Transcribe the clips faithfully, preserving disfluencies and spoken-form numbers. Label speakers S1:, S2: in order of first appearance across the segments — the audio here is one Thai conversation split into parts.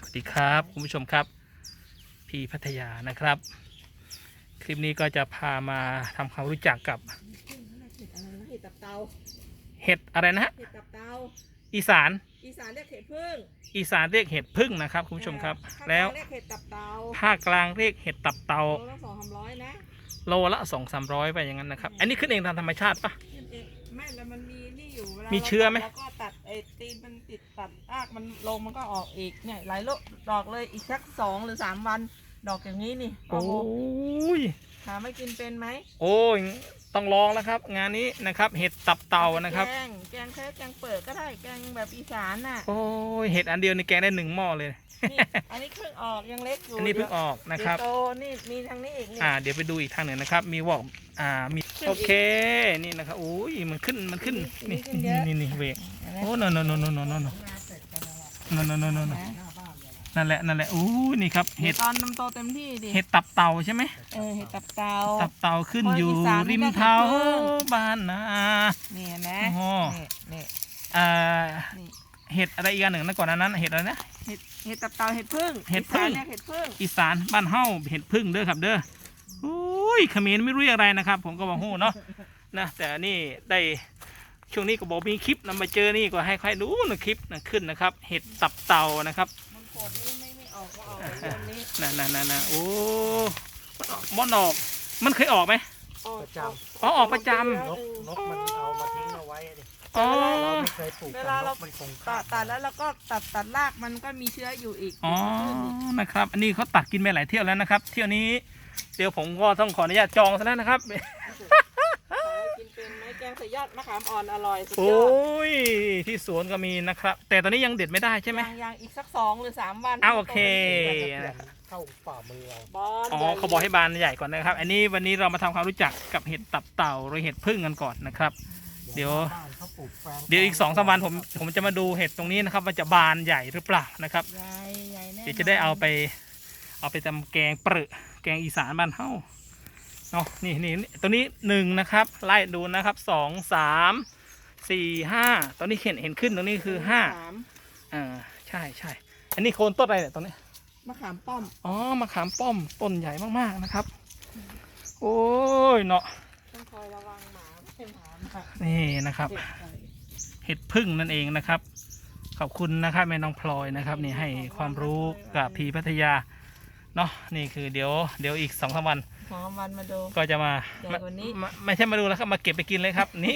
S1: วัสดีครับคุณผู้ชมครับพี่พัทยานะครับคลิปนี้ก็จะพามาทำความรู้จักกับ
S2: เห็ดตับเตา
S1: เห็ดอะไรนะฮะ
S2: เห็ดตับเตา
S1: อีสาน
S2: อีสานเรียกเห็ดพึ่ง
S1: อีสานเรียกเห็ดพึ่งนะครับคุณผู้ชมครับแล้ว
S2: เรียกเห็ดตับเตา
S1: ภาคกลางเรียกเห็ดตับเตา
S2: โลละสองสามร้อยนะ
S1: โลละสองสามร้อยไปอย่างนั้นนะครับอันนี้ขึ้นเองตามธรรมชาติปะ
S2: ไม่แล้วมันมีนี่อยู่เวลา
S1: มีเชื้อไหม
S2: แล้วก็ตัดไอ้ตีนมันติดตัดรากมันลงมันก็ออกอีกเนี่ยหลายโลดอกเลยอีกสักสองหรือสามวันดอกอย่างนี้นี่
S1: โอ้ย
S2: ถามไม่กินเป็นไหม
S1: โอ้ยต้องลองแล้วครับ งานนี้นะครับเห็ดตับเตานะครับ
S2: แกงแกงแค่แกงเปิดก็ได้แกงแบบอีสานน่ะ
S1: โอ้ยเห็ดอันเดียวในแกงได้หนึ่งหม้อเลย
S2: นี่อันนี้เพิ่งออกยังเล็กอยู่
S1: อันนี้เพิ่งออกนะครับ
S2: เดี๋ยวโตนี่มีทางนี้อีกนี่
S1: อ่าเดี๋ยวไปดูอีกทางหนึ่งนะครับ มีวอกอ่ามี
S2: ขึ้นอีก
S1: โอเคนี่นะครับโอ้ยมันขึ้นมันขึ้น
S2: นี่
S1: นี่
S2: ขึ้นเยอะ
S1: นี่นี่เวก
S2: เห็นไหม
S1: โอ้โนโนโนโนโนโนโนโนโนโนโนนั่นแหละนั่นแหละโอ้ยนี่ครับ
S2: เห็
S1: เห็
S2: ด
S1: ด
S2: ตอนน้ำโตเต็มที่ดิ
S1: เห็ดตับเต่าใช่ไหม
S2: เออเห็ดตับเตา
S1: ตับเต่าขึ้น
S2: คน
S1: อยู่
S2: อีสาน
S1: ริม
S2: เรียก
S1: เท้า
S2: เห็ดพึ่ง
S1: บ้านนา
S2: นี่เห็นไหม
S1: โอ้โห
S2: นี่นี่
S1: อ่า
S2: นี่
S1: เห็ดอะไรอีกอันหนึ่งนะก่อนหนานั้นเห็ดอะไรนะ
S2: เห็ดเห็ดตับเตาเห็ดพึ่ง
S1: เห็ดพึ่ง
S2: อีสานเรียกเห็ดพึ่ง
S1: อีสานบ้านเฮ้าเห็ดพึ่งเด้อครับเด้อโอ้ยเขมรไม่รู้อะไรนะครับ ผมก็บอกโหเนาะนะแต่นี่ได้ช่วงนี้ก็บอกมีคลิปนำมาเจอนี่ก็ให้ใครดูนะคลิปนะขึ้นนะครับ เห็ดตับเต่านะครับ
S2: มันโคตรนี่ไม่ไม่ออกก็ออกเลยเดือนนี้
S1: นั่นนั่นนั่นนะโอ้มอนออกมันเคยออกไหม
S2: ออก
S3: ประจ
S1: อ๋อออกประจำ
S3: นกนกมันเอามาทิ้งเอาไว้ดิ
S1: อ๋อ
S3: เราไม่เคยปลูกแต่นกมันคง
S2: ตัดตัดแล้วเราก็ตัดตัดรากมันก็มีเชื้ออยู่อีก
S1: อ๋อนะครับ อันนี้เขาตัดกินไปหลายเที่ยวแล้วนะครับ เที่ยวนี้เดี๋ยวผมก็ต้องขออนุญาตจองซะแล้วนะครับ
S2: กินเป็นไหมแกงใส่ยอดมะขามอ่อนอร่อยสุดย
S1: โอ้
S2: อด
S1: ยที่สวนก็มีนะครับ แต่ตอนนี้ยังเด็ดไม่ได้ใช่ไหม
S2: ยังยังอีกสักสองหรือสามวัน
S1: อ้าวโอเค
S3: เข้าฝ่ามือเรา
S2: บอล
S1: อ๋อเขาบอกให้บานใหญ่ก่อนนะครับ อันนี้วันนี้เรามาทำความรู้จักกับเห็ดตับเต่าหรือเห็ดพึ่งกันก่อนนะครับ เดี๋ยว
S3: บ้านเขาปลูกแปลง
S1: เดี๋ยวอีกสองสามวันผมผมจะมาดูเห็ดตรงนี้นะครับว่าจะบานใหญ่หรือเปล่านะครับ
S2: ใหญ่ใหญ่แน่
S1: เดี๋ยวจะได้เอาไปเอาไปทำแกงเปรอะแกงอีสานบ้านเฮาเนาะนี่นี่นี่ตัวนี้หนึ่งนะครับไล่ดูนะครับสองสามสี่ห้าตอนนี้เห็นเห็นขึ้นตรงนี้คือห้า
S2: สาม
S1: อ่าใช่ใช่อันนี้โคนต้นอะไรเนี่ยตรงนี้
S2: มะขามป้อม
S1: อ๋อมะขามป้อมต้นใหญ่มากๆนะครับ โอ้ยเนาะ
S2: ต้องคอยระวังหมาไม่เป็นหมาค่ะ
S1: นี่นะครับ
S2: เห็ดไข่
S1: เห็ดพึ่งนั่นเองนะครับ ขอบคุณนะครับแม่น้องพลอยนะครับนี่ให้ความรู้กับพีพัทยาเนาะนี่คือเดี๋ยวเดี๋ยวอีกสองสามวัน
S2: สองวันมาดู
S1: ก็จะมา
S2: ใหญ่กว่านี้
S1: ไม่ไม่ใช่มาดูแล้วครับมาเก็บไปกินเลยครับ นี่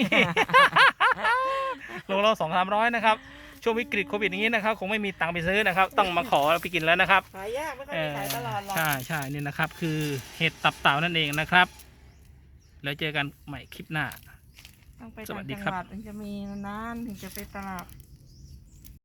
S1: โลละสองสามร้อยนะครับช่วงวิกฤตโควิดอย่างนี้นะครับคงไม่มีตังค์ไปซื้อนะครับ ต้องมาขอไปกินแล้วนะครับ
S2: ขายยากไม่ค่อย
S1: เอ
S2: มี
S1: อ
S2: ขายตลอดหรอก
S1: ใช่ใช่นี่นะครับ คือเห็ดตับเต่านั่นเองนะครับ แล้วเจอกันใหม่คลิปหน้า
S2: ต้องไป
S1: สวั
S2: ต่าง
S1: สดี
S2: จัง
S1: ครับ
S2: หวัดถึงจะมีนานๆถึงจะไปตลาด